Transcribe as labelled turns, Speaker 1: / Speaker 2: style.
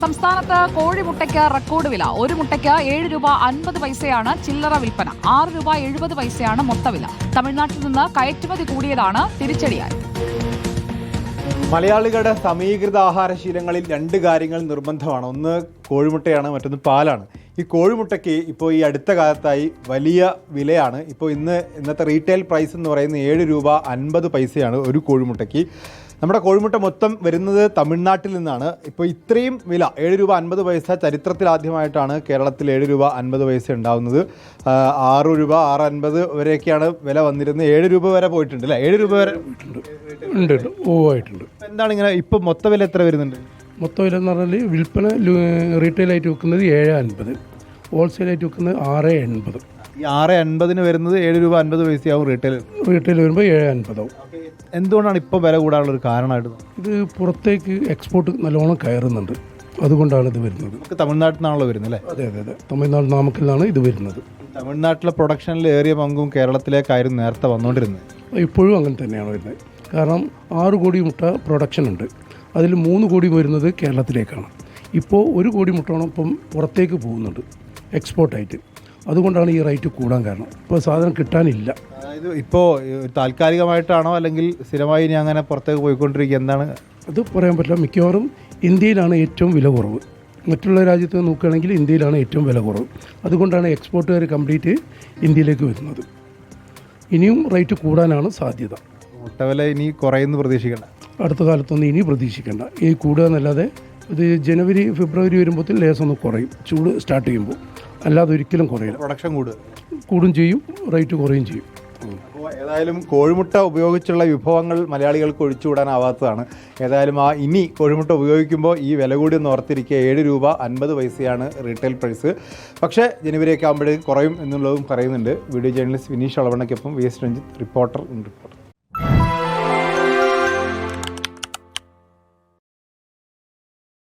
Speaker 1: സംസ്ഥാനത്ത് കോഴിമുട്ടയ്ക്ക് റെക്കോർഡ് വില. ഒരു മുട്ടയ്ക്ക് 7 രൂപ 50 പൈസയാണ് ചില്ലറ വിൽപ്പന. 6 രൂപ 70 പൈസയാണ് മൊത്തവില. തമിഴ്നാട്ടിൽ നിന്ന് കയറ്റുമതി കൂടിയതാണ് തിരിച്ചടിയായി.
Speaker 2: മലയാളികളുടെ സമീകൃത ആഹാരശീലങ്ങളിൽ രണ്ട് കാര്യങ്ങൾ നിർബന്ധമാണ്. ഒന്ന് കോഴിമുട്ടയാണ്, മറ്റൊന്ന് പാലാണ്. ഈ കോഴിമുട്ടയ്ക്ക് ഇപ്പോൾ ഈ അടുത്ത കാലത്തായി വലിയ വിലയാണ്. ഇപ്പോൾ ഇന്നത്തെ റീറ്റെയിൽ പ്രൈസ് എന്ന് പറയുന്നത് 7 രൂപ 50 പൈസയാണ് ഒരു കോഴിമുട്ടയ്ക്ക്. നമ്മുടെ കോഴിമുട്ട മൊത്തം വരുന്നത് തമിഴ്നാട്ടിൽ നിന്നാണ്. ഇപ്പോൾ ഇത്രയും വില 7 രൂപ 50 പൈസ ചരിത്രത്തിലാദ്യമായിട്ടാണ് കേരളത്തിൽ 7 രൂപ 50 പൈസ ഉണ്ടാകുന്നത്. 6 രൂപ 6.50 വരെയൊക്കെയാണ് വില വന്നിരുന്നത്. 7 രൂപ വരെ പോയിട്ടുണ്ട് അല്ലേ? 7 രൂപ വരെ
Speaker 3: ഉണ്ട്. ആയിട്ടുണ്ട്.
Speaker 2: എന്താണ് ഇങ്ങനെ ഇപ്പോൾ മൊത്ത വില എത്ര വരുന്നുണ്ട്?
Speaker 3: മൊത്ത വില എന്ന് പറഞ്ഞാൽ വിൽപ്പന റീറ്റെയിലായിട്ട് വെക്കുന്നത് 7.50, ഹോൾസെയിലായിട്ട് വെക്കുന്നത് 6.80.
Speaker 2: ഈ 6.50 വരുന്നത് 7 രൂപ 50 പൈസയാവും റീറ്റെയിൽ
Speaker 3: വരുമ്പോൾ 7.50 ആവും.
Speaker 2: എന്തുകൊണ്ടാണ് ഇപ്പോൾ വില കൂടാനുള്ള ഒരു കാരണമായിട്ട്?
Speaker 3: ഇത് പുറത്തേക്ക് എക്സ്പോർട്ട് നല്ലോണം കയറുന്നുണ്ട്, അതുകൊണ്ടാണ് ഇത് വരുന്നത്.
Speaker 2: നമുക്ക് തമിഴ്നാട്ടിൽ നിന്നാണല്ലോ വരുന്നത് അല്ലേ?
Speaker 3: അതെ. തമിഴ്നാട് നാമക്കലിലാണ് ഇത് വരുന്നത്.
Speaker 2: തമിഴ്നാട്ടിലെ പ്രൊഡക്ഷനിൽ ഏറിയ പങ്കും കേരളത്തിലേക്കായിരുന്നു നേരത്തെ വന്നുകൊണ്ടിരുന്നത്.
Speaker 3: ഇപ്പോഴും അങ്ങനെ തന്നെയാണ് വരുന്നത്. കാരണം 6 കോടി മുട്ട പ്രൊഡക്ഷൻ ഉണ്ട്, അതിൽ 3 കോടി വരുന്നത് കേരളത്തിലേക്കാണ്. ഇപ്പോൾ 1 കോടി മുട്ടയോളം ഇപ്പം പുറത്തേക്ക് പോകുന്നുണ്ട് എക്സ്പോർട്ടായിട്ട്. അതുകൊണ്ടാണ് ഈ റേറ്റ് കൂടാൻ കാരണം. ഇപ്പോൾ സാധനം കിട്ടാനില്ല.
Speaker 2: അതായത് ഇപ്പോൾ താൽക്കാലികമായിട്ടാണോ അല്ലെങ്കിൽ സ്ഥിരമായി ഇനി അങ്ങനെ പുറത്തേക്ക് പോയിക്കൊണ്ടിരിക്കുക? എന്താണ്
Speaker 3: അത് പറയാൻ പറ്റില്ല. മിക്കവാറും ഇന്ത്യയിലാണ് ഏറ്റവും വില കുറവ്. മറ്റുള്ള രാജ്യത്ത് നോക്കുകയാണെങ്കിൽ ഇന്ത്യയിലാണ് ഏറ്റവും വില കുറവ്. അതുകൊണ്ടാണ് എക്സ്പോർട്ടുകാർ കംപ്ലീറ്റ് ഇന്ത്യയിലേക്ക് വരുന്നത്. ഇനിയും റേറ്റ് കൂടാനാണ് സാധ്യത.
Speaker 2: മുട്ടവില ഇനി കുറയുന്നു പ്രതീക്ഷിക്കേണ്ട?
Speaker 3: അടുത്ത കാലത്തൊന്നും ഇനി പ്രതീക്ഷിക്കേണ്ട. ഈ കൂടുക എന്നല്ലാതെ ഇത് ജനുവരി ഫെബ്രുവരി വരുമ്പോഴത്തേന് ലേസം ഒന്ന് കുറയും, ചൂട് സ്റ്റാർട്ട് ചെയ്യുമ്പോൾ. അല്ലാതെ ഒരിക്കലും കുറയില്ല.
Speaker 2: പ്രൊഡക്ഷൻ
Speaker 3: കൂടും ചെയ്യും, റേറ്റ് കുറയും ചെയ്യും.
Speaker 2: അപ്പോൾ ഏതായാലും കോഴിമുട്ട ഉപയോഗിച്ചുള്ള വിഭവങ്ങൾ മലയാളികൾക്ക് ഒഴിച്ചുകൂടാനാവാത്തതാണ്. ഏതായാലും ഇനി കോഴിമുട്ട ഉപയോഗിക്കുമ്പോൾ ഈ വില കൂടി ഒന്ന് ഓർത്തിരിക്കുക. 7 രൂപ 50 പൈസയാണ് റീറ്റെയിൽ പ്രൈസ്. പക്ഷേ ജനുവരിയൊക്കെ ആകുമ്പോഴേക്കും കുറയും എന്നുള്ളതും പറയുന്നുണ്ട്. വീഡിയോ ജേർണലിസ്റ്റ് വിനീഷ് അളവണ്ണയ്ക്കൊപ്പം വി എസ് രഞ്ജിത്ത്, റിപ്പോർട്ടർ.